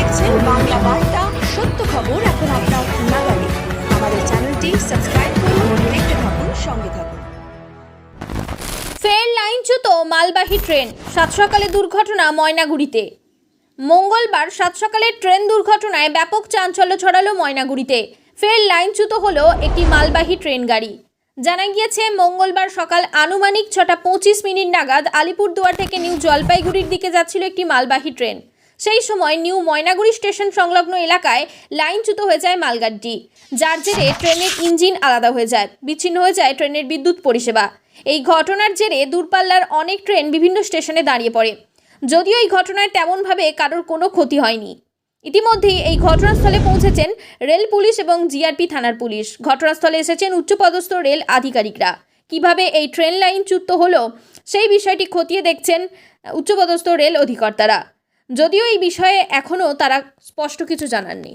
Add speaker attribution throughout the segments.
Speaker 1: দেখছেন বাংলা বার্তা, সত্য খবর এখন আপনার নাগালে। আমাদের চ্যানেলটি সাবস্ক্রাইব করুন, দেখতে থাকুন, সঙ্গে থাকুন।
Speaker 2: ফের লাইনচ্যুত মালবাহী ট্রেন, সাত সকালে দুর্ঘটনা ময়নাগুড়িতে। মঙ্গলবার সাত সকালে ট্রেন দুর্ঘটনায় ব্যাপক চাঞ্চল্য ছড়ালো ময়নাগুড়িতে। ফের লাইনচ্যুত হলো একটি মালবাহী ট্রেন গাড়ি। জানা গিয়েছে, মঙ্গলবার সকাল আনুমানিক 6:25 নাগাদ আলিপুরদুয়ার থেকে নিউ জলপাইগুড়ির দিকে যাচ্ছিল একটি মালবাহী ট্রেন। সেই সময় নিউ ময়নাগুড়ি স্টেশন সংলগ্ন এলাকায় লাইনচ্যুত হয়ে যায় মালগাড়িটি, যার জেরে ট্রেনের ইঞ্জিন আলাদা হয়ে যায়, বিচ্ছিন্ন হয়ে যায় ট্রেনের বিদ্যুৎ পরিষেবা। এই ঘটনার জেরে দূরপাল্লার অনেক ট্রেন বিভিন্ন স্টেশনে দাঁড়িয়ে পড়ে। যদিও এই ঘটনায় তেমনভাবে কারোর কোনো ক্ষতি হয়নি। ইতিমধ্যেই এই ঘটনাস্থলে পৌঁছেছেন রেল পুলিশ এবং জিআরপি থানার পুলিশ। ঘটনাস্থলে এসেছেন উচ্চপদস্থ রেল আধিকারিকরা। কিভাবে এই ট্রেন লাইনচ্যুত হলো সেই বিষয়টি খতিয়ে দেখছেন উচ্চপদস্থ রেল অধিকর্তারা। যদিও এই বিষয়ে এখনও তারা স্পষ্ট কিছু জানাননি।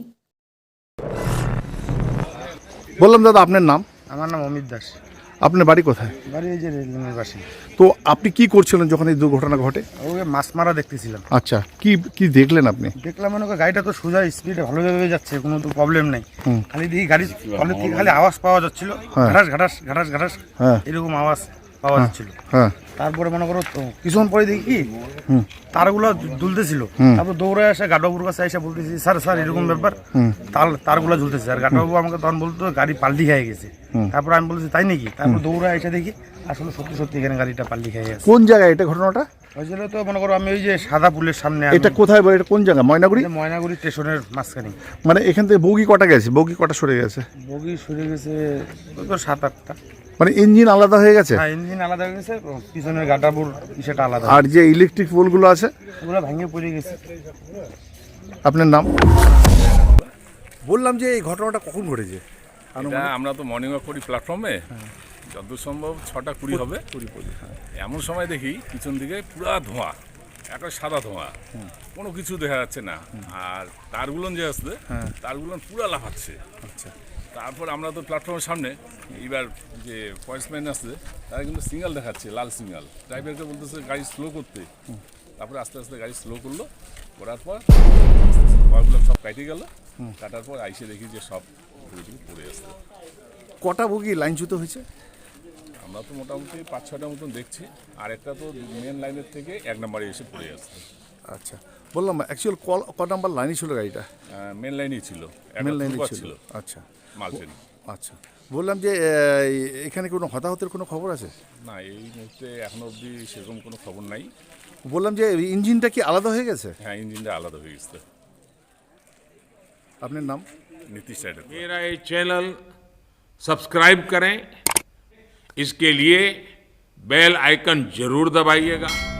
Speaker 3: বললাম দাদা, আপনার নাম?
Speaker 4: আমার নাম অমিত দাস।
Speaker 3: আপনার বাড়ি কোথায়?
Speaker 4: বাড়ি এই যে রেললাইনের পাশে।
Speaker 3: তো আপনি কি করছিলেন যখন এই দুর্ঘটনা ঘটে?
Speaker 4: ওকে মাছ মারা দেখতেছিলাম।
Speaker 3: আচ্ছা, কি কি দেখলেন আপনি?
Speaker 4: দেখলাম মনে করি গাড়িটা তো সোজা স্পিডে ভালোভাবে যাচ্ছে, কোনো তো প্রবলেম নেই। খালি দেখি গাড়ি তলের থেকে খালি আওয়াজ পাওয়া যাচ্ছিল, ঘাটাস ঘাটাস ঘাটাস ঘাটাস এরকম আওয়াজ পাওয়া যাচ্ছিল।
Speaker 3: হ্যাঁ,
Speaker 4: তারপরে মনে করো কিছুক্ষণ পরে দেখি কি তারগুলো দুলতেছিল। তারপর দৌড়ে আসে গাডবাবুর কাছে এসে বলতেছি, স্যার স্যার এরকম ব্যাপার, তারগুলো ঝুলতেছে। আর গাডবাবু আমাকে তখন বলতো গাড়ি পাল্টি খেয়ে গেছে। তারপর আমি বলছি তাই নাকি? তারপর দৌড়ে এসে দেখি আসলে সত্যি সত্যি এখানে গাড়িটা পাল্টি খেয়ে গেছে।
Speaker 3: কোন জায়গায় এটা ঘটনাটা
Speaker 4: হয়েছিল? তো মনে করো আমি ওই যে সাদা পুলের সামনে।
Speaker 3: এটা কোথায় বলে? এটা কোন জায়গা? ময়নাগুড়ি?
Speaker 4: ময়নাগুড়ি স্টেশনের মাঝখানে।
Speaker 3: মানে এখান থেকে বগি কটা গেছে? বগি কটা সরে গেছে?
Speaker 4: বগি সরে গেছে তো 7-8টা।
Speaker 3: মানে ইঞ্জিন আলাদা হয়ে গেছে?
Speaker 4: হ্যাঁ, ইঞ্জিন আলাদা হয়ে গেছে, পিছনের গাটাপুর সেটা আলাদা।
Speaker 3: আর যে ইলেকট্রিক পোলগুলো আছে
Speaker 4: ওগুলো ভেঙে পড়ে গেছে।
Speaker 3: আপনার নাম? বললাম যে এই ঘটনাটা কখন ঘটেছে?
Speaker 5: এটা আমরা তো মর্নিং ওয়াক করি প্ল্যাটফর্মে, যতদূর সম্ভব 6:20 হবে। এমন সময় দেখি পিছন দিকে পুরা ধোঁয়া, একটা সাদা ধোঁয়া, কোনো কিছু দেখা যাচ্ছে না। আর তারগুলো যে আসছে, তারগুলো পুরা লাফাচ্ছে। আচ্ছা, তারপর আমরা তো প্ল্যাটফর্মের সামনে, এবার যে পয়েন্টসম্যান আসছে তারা কিন্তু সিগন্যাল দেখাচ্ছে, লাল সিগন্যাল। ড্রাইভারকে বলতেছে গাড়ি স্লো করতে। তারপরে আস্তে আস্তে গাড়ি স্লো করলো, করার পর ওয়ারগুলো সব কাটে গেল। কাটার পর আইসে দেখি যে সব পড়ে আসছে।
Speaker 3: কটা বগি লাইনচ্যুত হয়েছে?
Speaker 5: আমরা তো মোটামুটি 5-6টা মতন দেখছি। আর একটা তো মেন লাইনের থেকে 1 নম্বরে এসে পড়ে আসছে।
Speaker 3: আচ্ছা, বললাম অ্যাকচুয়াল ক নাম্বার লাইনই ছিল গাড়িটা?
Speaker 5: মেন লাইনই ছিল,
Speaker 3: মেন লাইনই ছিল। আচ্ছা,
Speaker 5: মাল ট্রেন।
Speaker 3: আচ্ছা, বললাম যে এখানে কোনো হতাহতের কোনো খবর আছে?
Speaker 5: না, এই মুহূর্তে এখনো অবধি সেরকম কোনো খবর নাই।
Speaker 3: বললাম যে ইঞ্জিনটা কি আলাদা হয়ে গেছে?
Speaker 5: হ্যাঁ, ইঞ্জিনটা আলাদা হয়ে গেছে।
Speaker 3: আপনার নাম?
Speaker 5: नीतीश राइडर।
Speaker 6: मेरा ये चैनल सब्सक्राइब करें, इसके लिए बेल आइकन जरूर दबाइएगा।